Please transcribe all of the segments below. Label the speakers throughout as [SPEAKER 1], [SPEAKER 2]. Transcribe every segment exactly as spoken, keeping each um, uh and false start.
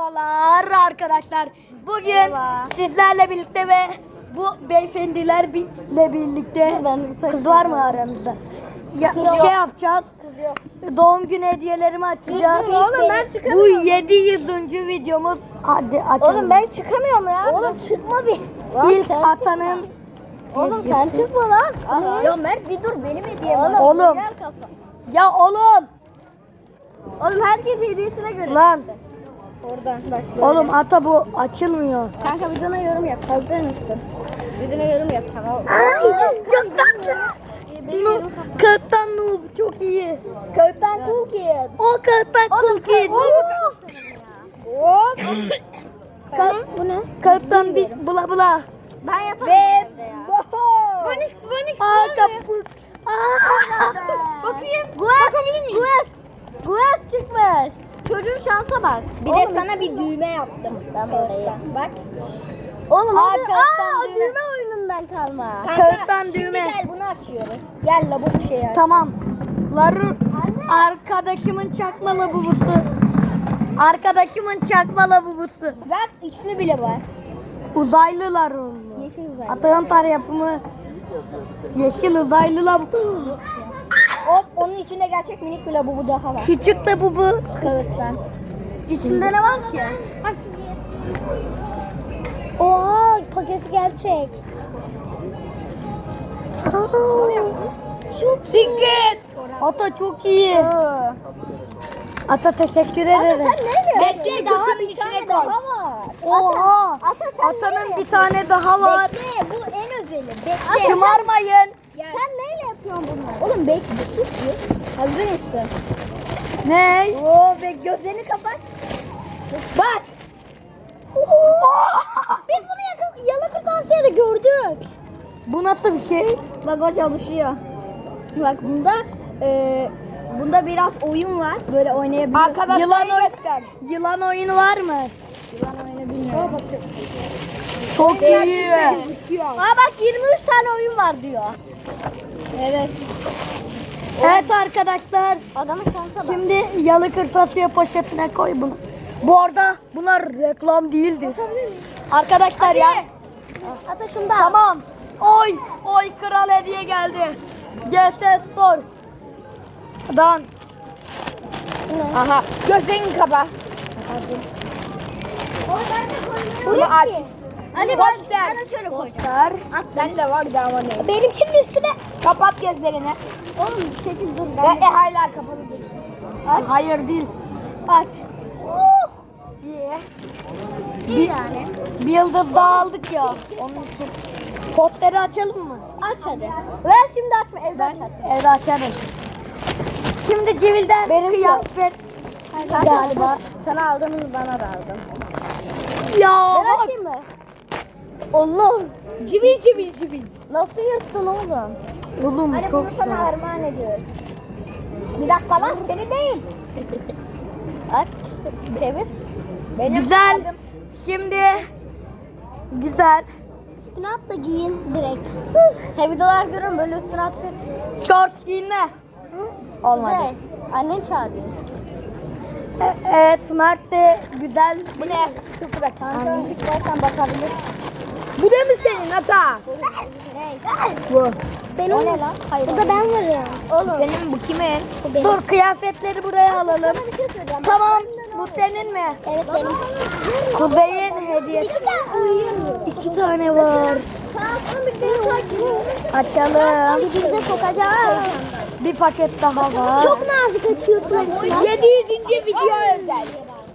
[SPEAKER 1] Merhabalar arkadaşlar. Bugün
[SPEAKER 2] Merhaba.
[SPEAKER 1] sizlerle birlikte ve bu beyefendilerle birlikte kız var mı aranızda? Ya,
[SPEAKER 2] Kız yok.
[SPEAKER 1] şey yapacağız.
[SPEAKER 2] Kız yok.
[SPEAKER 1] Doğum günü hediyelerimi açacağız.
[SPEAKER 2] İlk- ilk Oğlum ben
[SPEAKER 1] Bu
[SPEAKER 2] çıkamıyorum.
[SPEAKER 1] yedi yüzüncü videomuz. Hadi açalım.
[SPEAKER 2] Oğlum ben çıkamıyorum ya. Oğlum çıkma bir.
[SPEAKER 1] İlk atanın
[SPEAKER 2] Oğlum sen çıkma lan. Ya Mert bir dur benim hediyem var.
[SPEAKER 1] Oğlum.
[SPEAKER 2] Gel kafa.
[SPEAKER 1] Ya oğlum.
[SPEAKER 2] Oğlum herkes hediyesine göre.
[SPEAKER 1] Lan.
[SPEAKER 2] Oradan bak. Böyle.
[SPEAKER 1] Oğlum ata bu açılmıyor.
[SPEAKER 2] Kanka videona yorum yap. Hazır mısın? Videona yorum yapacağım. Oğlum.
[SPEAKER 1] Ay, çok tatlı. No, kağıttan noob çok iyi.
[SPEAKER 2] Kağıttan cool kid.
[SPEAKER 1] O kağıttan cool kid.
[SPEAKER 2] Hop.
[SPEAKER 1] Ka-
[SPEAKER 2] Bu ne?
[SPEAKER 1] Kağıttan bir bula bula.
[SPEAKER 2] Ben yaparım evde ya.
[SPEAKER 1] Phoenix, Phoenix. Aa kaput. Aa.
[SPEAKER 2] Bakayım. Bakabilir miyim? Gues. Gues çıkmış. Çocuğun şansa bak. Bir de sana bir düğme yaptım. Ben buraya. Bak. Oğlum
[SPEAKER 1] Aa,
[SPEAKER 2] hadi.
[SPEAKER 1] kağıttan
[SPEAKER 2] Aa,
[SPEAKER 1] düğme.
[SPEAKER 2] düğme oyunundan kalma.
[SPEAKER 1] Kağıttan düğme.
[SPEAKER 2] Şimdi gel bunu açıyoruz. Gel la bu şey aç.
[SPEAKER 1] Tamam. Larun arkadaşımın çakma labubusu. Arkadaşımın çakma labubusu.
[SPEAKER 2] Bak ismi bile var.
[SPEAKER 1] Uzaylı Larun.
[SPEAKER 2] Yeşil uzay.
[SPEAKER 1] Atayantar yapımı. Yeşil uzaylı labubu.
[SPEAKER 2] Hop onun içinde gerçek minik bir labubu daha var.
[SPEAKER 1] Küçük de bu bu.
[SPEAKER 2] Kağıttan. İçinde ne var ki? Oha paketi gerçek. Çok Secret.
[SPEAKER 1] Ata çok iyi. Ata teşekkür ederim.
[SPEAKER 2] Bekle daha bir tane daha var.
[SPEAKER 1] Oha.
[SPEAKER 2] Ata sen
[SPEAKER 1] Atanın
[SPEAKER 2] neyle
[SPEAKER 1] bir tane daha var.
[SPEAKER 2] Bekle bu en özeli. Bekle.
[SPEAKER 1] Şımarmayın.
[SPEAKER 2] Sen neyle yapıyorsun bunları? Oğlum bekle sus bir. Hazır mısın?
[SPEAKER 1] Ne?
[SPEAKER 2] Oo be gözlerini kapat. Bak. Biz bunu yakın, yalı kırtasiyede gördük.
[SPEAKER 1] Bu nasıl bir şey?
[SPEAKER 2] Bak o çalışıyor. Bak bunda e, bunda biraz oyun var. Böyle oynayabiliyorsun.
[SPEAKER 1] Arkadaşlar yılan, oy- yılan oyunu var mı?
[SPEAKER 2] Yılan oyunu bilmiyorum.
[SPEAKER 1] Çok iyi.
[SPEAKER 2] Aa bak yirmi üç tane oyun var diyor. Evet.
[SPEAKER 1] Evet arkadaşlar.
[SPEAKER 2] Adamın şansa bak.
[SPEAKER 1] Şimdi yalı kırtasiye poşetine koy bunu. Bu arada bunlar reklam değildir. Arkadaşlar ya.
[SPEAKER 2] Ata şunda.
[SPEAKER 1] Tamam. Oy. Oy kral hediye geldi. G S Store. Dan.
[SPEAKER 3] Aha. Gözlerini kapa.
[SPEAKER 2] Bunu
[SPEAKER 3] aç.
[SPEAKER 2] Hani bak ben şöyle koyacağım.
[SPEAKER 1] Poster.
[SPEAKER 2] At
[SPEAKER 3] Sen de var da ama ne?
[SPEAKER 2] Benimkinin üstüne.
[SPEAKER 3] Kapat gözlerini.
[SPEAKER 2] Oğlum şekil dur.
[SPEAKER 3] Ve e, hala kapalı dursun.
[SPEAKER 1] Hayır değil.
[SPEAKER 2] Aç.
[SPEAKER 1] İyi.
[SPEAKER 2] Bir tane.
[SPEAKER 1] Bir yıldız daha aldık ya. Onun için. Posteri açalım mı?
[SPEAKER 2] Aç hadi. Ver şimdi açma evde
[SPEAKER 1] Ben
[SPEAKER 2] açarsın.
[SPEAKER 1] evde açarım. Şimdi civilden
[SPEAKER 2] Benim
[SPEAKER 1] kıyafet. Galiba.
[SPEAKER 2] Sana aldığımız bana da aldın.
[SPEAKER 1] Ya
[SPEAKER 2] Ben
[SPEAKER 1] bak.
[SPEAKER 2] açayım mı? Allah.
[SPEAKER 3] Civil civil civil.
[SPEAKER 2] Nasıl yırttın oğlum?
[SPEAKER 1] Oğlum
[SPEAKER 2] Hani
[SPEAKER 1] çok
[SPEAKER 2] bunu sana
[SPEAKER 1] güzel.
[SPEAKER 2] armağan ediyoruz. Bir dakika lan seni değil. Aç. Çevir.
[SPEAKER 3] Benim
[SPEAKER 1] Güzel.
[SPEAKER 3] aldım.
[SPEAKER 1] Şimdi güzel.
[SPEAKER 2] Üstüne at da giyin direkt. He videolar görüyorum böyle üstüne atıyor.
[SPEAKER 1] Shorts giyinme. Olmadı.
[SPEAKER 2] Güzel. Annen çağırıyor.
[SPEAKER 1] E- evet Mert de güzel.
[SPEAKER 3] Bu ne? Sıfır at.
[SPEAKER 2] Kanka istersen bakabilir.
[SPEAKER 3] Bu da mı senin ata?
[SPEAKER 1] Bu.
[SPEAKER 2] Ben o ne lan? Hayır. Bu da ben varım. Oğlum.
[SPEAKER 3] Senin bu kimin?
[SPEAKER 2] Bu benim.
[SPEAKER 1] Dur kıyafetleri buraya alalım.
[SPEAKER 2] Sana bir şey söyleyeceğim.
[SPEAKER 1] Tamam. Bu senin mi?
[SPEAKER 2] Evet benim.
[SPEAKER 1] Kuzey'in hediyesi.
[SPEAKER 2] İki tane uyuyor.
[SPEAKER 1] İki tane var.
[SPEAKER 2] Tamam bir de takip.
[SPEAKER 1] Açalım.
[SPEAKER 2] Dibimize sokacağız.
[SPEAKER 1] Bir paket daha var.
[SPEAKER 2] Çok nazik açıyorsun.
[SPEAKER 3] yedi yüzüncü video özel.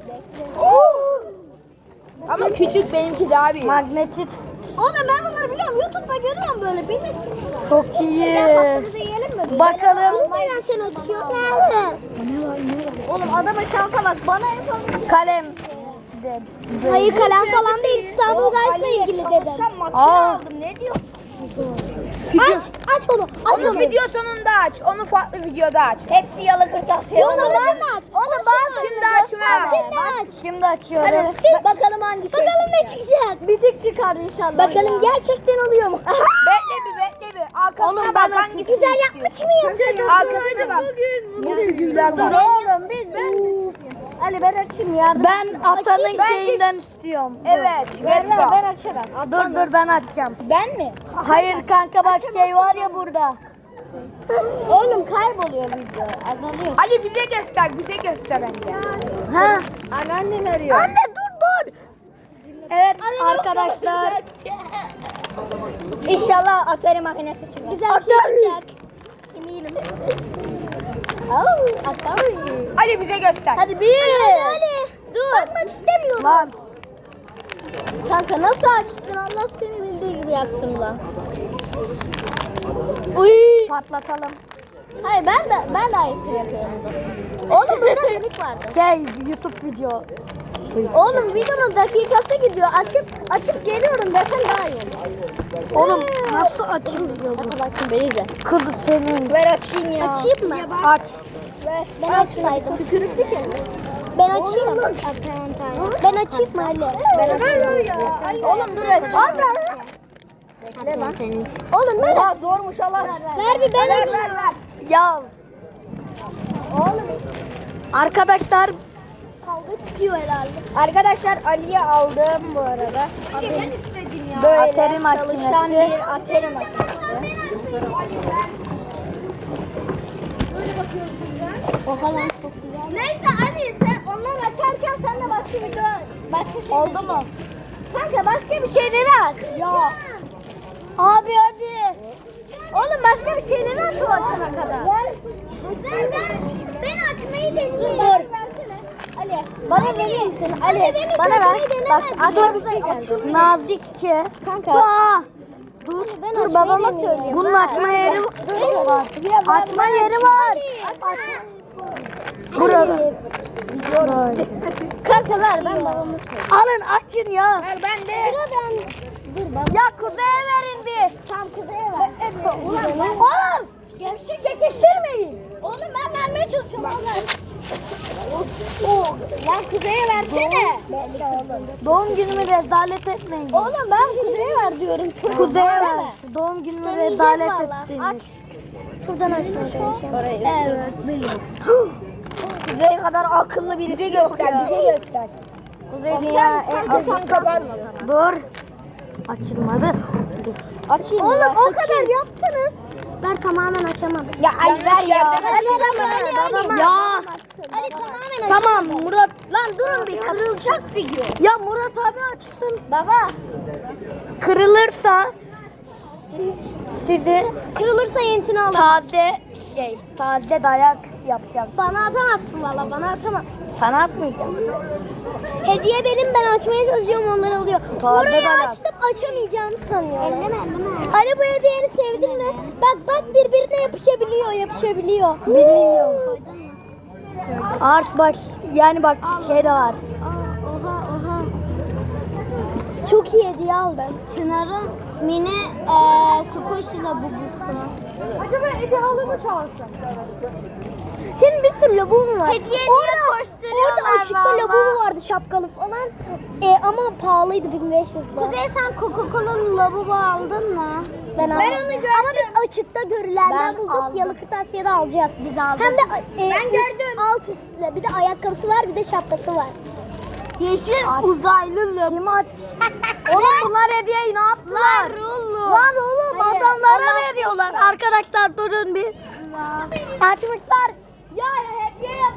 [SPEAKER 3] Ama küçük benimki daha büyük.
[SPEAKER 1] Magnetit.
[SPEAKER 2] Oğlum ben bunları biliyorum. YouTube'da görüyorum böyle. Benim.
[SPEAKER 1] Çok iyi.
[SPEAKER 2] Patlıcı yiyelim mi?
[SPEAKER 1] Bakalım.
[SPEAKER 2] Aynen sen açıyor. Nerede? Oğlum adama şansa bak. Bana yapalım.
[SPEAKER 1] Kalem.
[SPEAKER 2] Hayır kalem falan değil. İstanbul Guys'la ilgili dedim.
[SPEAKER 1] Aa.
[SPEAKER 3] Ne diyor?
[SPEAKER 2] Aç, aç onu. Aç
[SPEAKER 3] Onu
[SPEAKER 2] onu.
[SPEAKER 3] video sonunda aç. Onu farklı videoda aç.
[SPEAKER 2] Hepsi yalı kırtasiye. Oğlum ben aç. Oğlum ben
[SPEAKER 3] Şimdi açma.
[SPEAKER 2] Şimdi aç.
[SPEAKER 1] Şimdi açıyorum.
[SPEAKER 2] Hadi bakalım hangi şey Bakalım ne çıkacak. Bir tek çıkar inşallah. Bakalım gerçekten oluyor mu?
[SPEAKER 3] Bekle bir bekle bir. Arkasına
[SPEAKER 1] Oğlum,
[SPEAKER 3] bak
[SPEAKER 1] ben
[SPEAKER 3] hangisini
[SPEAKER 2] Güzel
[SPEAKER 3] istiyorsun.
[SPEAKER 2] yapmış mı yaptın?
[SPEAKER 3] Arkasına bak.
[SPEAKER 2] Dur oğlum biz ben. Ali Hadi ben açayım yardım.
[SPEAKER 1] Ben atanın
[SPEAKER 3] Ben-
[SPEAKER 1] şeyinden istiyorum.
[SPEAKER 3] Evet.
[SPEAKER 2] Ver
[SPEAKER 3] Let's
[SPEAKER 2] ver
[SPEAKER 3] go.
[SPEAKER 2] ben açarım.
[SPEAKER 1] Dur dur ben açacağım.
[SPEAKER 2] Ben mi?
[SPEAKER 1] Hayır kanka bak şey var ya burada.
[SPEAKER 2] Oğlum kayboluyor video. Azalıyor.
[SPEAKER 3] Ali bize göster. Bize göster önce.
[SPEAKER 1] Ha?
[SPEAKER 2] Anneannen arıyor.
[SPEAKER 1] Anne dur dur. Evet arkadaşlar.
[SPEAKER 2] İnşallah Atari makinesi çıkar. Güzel bir şey
[SPEAKER 1] Atari.
[SPEAKER 2] çıkacak. Eminim. Oh, Atari.
[SPEAKER 3] Ali bize göster.
[SPEAKER 2] Hadi bir. Hadi hadi. Dur. Bakmak istemiyorum.
[SPEAKER 1] Lan.
[SPEAKER 2] Kanka nasıl açtın? Allah seni bildiği gibi yaptım lan.
[SPEAKER 1] Uy. Patlatalım.
[SPEAKER 2] Hayır ben de ben de aynısını yapıyorum. Oğlum burada delik vardı.
[SPEAKER 1] Şey YouTube video.
[SPEAKER 2] Oğlum videonun dakikası gidiyor. Açıp açıp geliyorum desen daha iyi olur.
[SPEAKER 1] Oğlum nasıl açılıyor bu?
[SPEAKER 2] Bak şimdi izle.
[SPEAKER 1] Kız senin.
[SPEAKER 3] Ver açayım ya.
[SPEAKER 2] Açayım mı?
[SPEAKER 1] Aç.
[SPEAKER 2] Ver. Ben açsaydım. Tükürüklü ki. Ben açayım. Ben açayım mı Ali? Ben açayım.
[SPEAKER 3] Oğlum dur açayım.
[SPEAKER 2] Bekle lan. Oğlum ben
[SPEAKER 3] Oha zormuş Allah.
[SPEAKER 2] Ver bir ben
[SPEAKER 3] Ver
[SPEAKER 2] açayım.
[SPEAKER 3] ver ver.
[SPEAKER 1] Ya
[SPEAKER 2] Oğlum
[SPEAKER 1] arkadaşlar
[SPEAKER 2] kavga çıkıyor herhalde.
[SPEAKER 3] Arkadaşlar Ali'ye aldım bu arada. Ben istedim ya.
[SPEAKER 2] Böyle
[SPEAKER 1] Atari
[SPEAKER 2] çalışan
[SPEAKER 1] makinesi.
[SPEAKER 2] bir Atari makinesi. Oha lan çok güzel. Neyse Ali sen onları açarken sen de başka bir dön. Başka şey
[SPEAKER 1] oldu mu?
[SPEAKER 2] Kanka başka bir şeyleri aç.
[SPEAKER 1] Ya.
[SPEAKER 2] Abi hadi. Oğlum başka bir şeyleri aç o açana kadar. Ver. Ben, ben, ben açmayı deneyeyim. Dur. Ali. Bana verir misin? Ali bana ver. Bak dur. Açayım.
[SPEAKER 1] Nazikçe.
[SPEAKER 2] Kanka.
[SPEAKER 1] Aa, dur.
[SPEAKER 2] Ben dur babama söyleyeyim.
[SPEAKER 1] Bunun açma yeri var. Açma yeri var. Burada. Böyle.
[SPEAKER 2] Kanka ver ben babama söyleyeyim.
[SPEAKER 1] Alın açın ya.
[SPEAKER 3] Ver ben de.
[SPEAKER 2] Sıra ben. Dur baba.
[SPEAKER 1] Ya kuzeye verin bir.
[SPEAKER 2] Tam kuzeye ver.
[SPEAKER 1] Ulan oğlum.
[SPEAKER 2] Gevşek çekiştirmeyin. Oğlum ben vermeye çalışıyorum oğlum. Oh, lan kuzeye versene.
[SPEAKER 1] Doğum günümü rezalet etmeyin.
[SPEAKER 2] Oğlum ben kuzeye ver diyorum. Çok
[SPEAKER 1] Kuzeye
[SPEAKER 2] Bana
[SPEAKER 1] ver.
[SPEAKER 2] ver.
[SPEAKER 1] Doğum günümü
[SPEAKER 2] Deneyeceğiz
[SPEAKER 1] rezalet
[SPEAKER 2] valla.
[SPEAKER 1] ettiniz.
[SPEAKER 2] Aç. Şuradan açmaya çalışayım. Evet biliyorum.
[SPEAKER 3] Kuzey kadar akıllı birisi bize göster. Bize göster. Kuzey dünya en akıllı kapat.
[SPEAKER 1] Dur. Açılmadı. Dur.
[SPEAKER 2] Açayım Oğlum o kadar yaptınız. Ben tamamen açamadım.
[SPEAKER 3] Ya Ali ver ya.
[SPEAKER 1] Ya.
[SPEAKER 2] Ali tamamen
[SPEAKER 1] Tamam Murat.
[SPEAKER 2] Lan durun bir kırılacak figür.
[SPEAKER 1] Ya Murat abi açsın.
[SPEAKER 2] Baba.
[SPEAKER 1] Kırılırsa si- sizi
[SPEAKER 2] Kırılırsa yenisini al.
[SPEAKER 1] taze şey, taze dayak yapacağım.
[SPEAKER 2] Bana atamazsın valla bana atamaz.
[SPEAKER 1] Sana atmayacağım.
[SPEAKER 2] Hediye benim ben açmaya çalışıyorum onlar alıyor.
[SPEAKER 1] Taze
[SPEAKER 2] Orayı
[SPEAKER 1] dayak.
[SPEAKER 2] açtım açamayacağımı sanıyorlar. Elleme elleme. Ali bu hediyeni sevdin mi? Bak bak birbirine yapışabiliyor yapışabiliyor.
[SPEAKER 1] Biliyorum. Ars bak yani bak şey de var.
[SPEAKER 2] Oha oha. Çok iyi hediye aldım. Çınar'ın mini eee squishy labubusu.
[SPEAKER 3] Acaba Edi halı mı çalsın?
[SPEAKER 2] Senin bir sürü labubu var.
[SPEAKER 1] Hediye niye
[SPEAKER 2] orada,
[SPEAKER 1] koşturuyorlar
[SPEAKER 2] orada açıkta
[SPEAKER 1] valla?
[SPEAKER 2] labubu vardı şapkalı falan. E, ama pahalıydı bin beş yüz lira. Kuzey sen Coca-Cola'lı labubu aldın mı? Ben, aldım.
[SPEAKER 3] onu gördüm.
[SPEAKER 2] Ama biz açıkta görülenden
[SPEAKER 1] Ben
[SPEAKER 2] bulduk.
[SPEAKER 1] aldım.
[SPEAKER 2] Yalı kırtasiyede alacağız. Biz aldık. Hem de e,
[SPEAKER 3] Ben
[SPEAKER 2] üst,
[SPEAKER 3] gördüm.
[SPEAKER 2] alt üstlü. Bir de ayakkabısı var bir de şapkası var.
[SPEAKER 1] Yeşil uzaylı Kim aç? Oğlum bunlar hediyeyi ne yaptılar? Lan oğlum
[SPEAKER 2] Hayır,
[SPEAKER 1] adamlara
[SPEAKER 2] Allah-
[SPEAKER 1] veriyorlar. Arkadaşlar durun bir. Açmışlar. Ya hediye yap.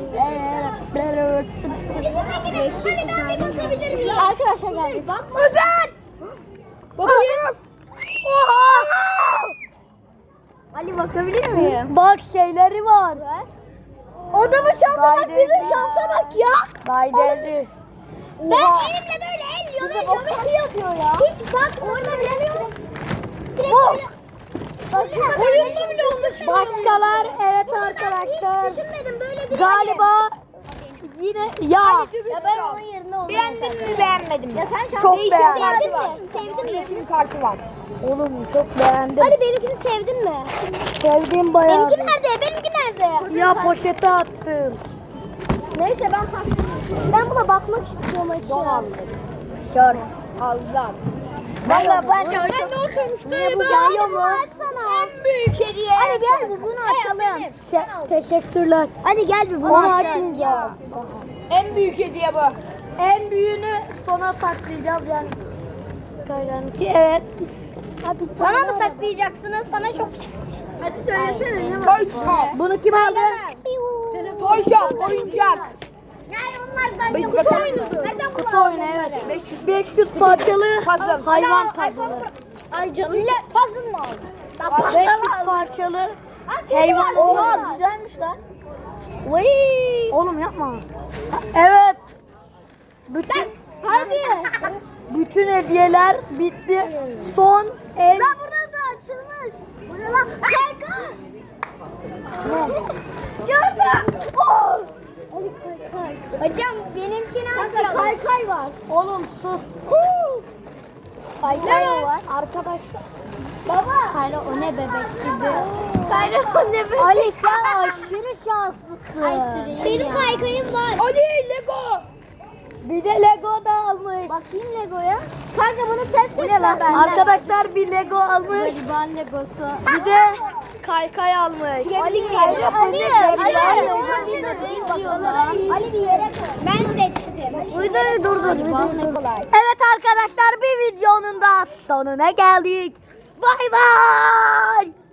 [SPEAKER 2] Arkadaşlar geldik. Bak.
[SPEAKER 1] Özel. Bakayım. Oha.
[SPEAKER 2] Ali bakabilir miyim?
[SPEAKER 1] Bak şeyleri var.
[SPEAKER 2] Adamın şansa bak
[SPEAKER 1] Gayret.
[SPEAKER 2] bizim şansa bak ya.
[SPEAKER 1] Gaydeli.
[SPEAKER 2] Ben elimle böyle el yana yana yapıyor ya. Hiç bak orada bile yok.
[SPEAKER 1] Oh.
[SPEAKER 2] Oyunda bile olmuş.
[SPEAKER 1] Başkalar evet arkadaşlar.
[SPEAKER 2] Düşünmedim böyle bir
[SPEAKER 1] Galiba yine ya.
[SPEAKER 2] Ya ben onun yerinde olmam.
[SPEAKER 3] Beğendin mi beğenmedim mi?
[SPEAKER 2] Ya sen şans
[SPEAKER 1] Çok
[SPEAKER 2] değişim
[SPEAKER 1] beğendim.
[SPEAKER 2] sevdin
[SPEAKER 3] Var.
[SPEAKER 2] mi? Sevdin mi?
[SPEAKER 3] Değişim kartı var.
[SPEAKER 1] Oğlum çok beğendim.
[SPEAKER 2] Hadi benimkini sevdin mi?
[SPEAKER 1] Sevdiğim bayağı.
[SPEAKER 2] Benimki nerede? Benimki nerede?
[SPEAKER 1] Ya poşete attım.
[SPEAKER 2] Neyse ben farklı. Ben buna bakmak istiyorum açıyorum.
[SPEAKER 1] Şort.
[SPEAKER 3] Allah. Valla ben
[SPEAKER 2] Ben de oturmuştum.
[SPEAKER 3] Niye bu geliyor mu?
[SPEAKER 2] En büyük hediye.
[SPEAKER 3] Hadi gel bir bunu açalım.
[SPEAKER 1] Te- teşekkürler.
[SPEAKER 3] Hadi gel bir bunu
[SPEAKER 1] Onu
[SPEAKER 3] açalım.
[SPEAKER 1] açmayacağız.
[SPEAKER 2] En büyük hediye bu.
[SPEAKER 1] En büyüğünü sona saklayacağız yani. Ki evet. Abi
[SPEAKER 3] Sana mı saklayacaksınız? Sana çok
[SPEAKER 2] Hadi söylesene ne var? Toy Shop.
[SPEAKER 1] Bunu kim aldı?
[SPEAKER 2] Toy Shop oyuncak.
[SPEAKER 3] Yani onlardan
[SPEAKER 2] Beş
[SPEAKER 3] yok.
[SPEAKER 2] bakalım.
[SPEAKER 3] Nereden
[SPEAKER 1] Kutu oyunu evet. beş yüz parçalı
[SPEAKER 2] Puzzle.
[SPEAKER 1] hayvan puzzle.
[SPEAKER 3] Ay canım. Puzzle mı aldın?
[SPEAKER 1] beş yüz parçalı hayvan.
[SPEAKER 3] Oha güzelmiş lan. Vay.
[SPEAKER 1] Oğlum yapma. Evet. Bütün
[SPEAKER 3] Hadi.
[SPEAKER 1] bütün hediyeler bitti. Son en
[SPEAKER 3] Ben burada da açılmış. Bu ne lan? Kayka. Gördüm. Oh. Hocam benimkini açalım. Kaykay var.
[SPEAKER 1] oğlum sus.
[SPEAKER 3] Kaykay var.
[SPEAKER 1] Arkadaşlar.
[SPEAKER 3] Baba. Kayra o ne bebek gibi. Kayra o ne bebek. Ali sen aşırı şanslısın. Ay benim kaykayım var.
[SPEAKER 2] Ali Lego.
[SPEAKER 1] Bir de Lego da almış.
[SPEAKER 3] Bakayım Lego'ya. Kanka bunu test et lan.
[SPEAKER 1] Arkadaşlar bir Lego almış.
[SPEAKER 3] Gariban Legosu.
[SPEAKER 1] Bir de kaykay almış.
[SPEAKER 3] Ali Ali Ali Ali bir yere koy. Ben seçtim.
[SPEAKER 1] Videoyu durdur.
[SPEAKER 3] Ne kolay.
[SPEAKER 1] Evet arkadaşlar bir videonun da sonuna geldik. Bay bay.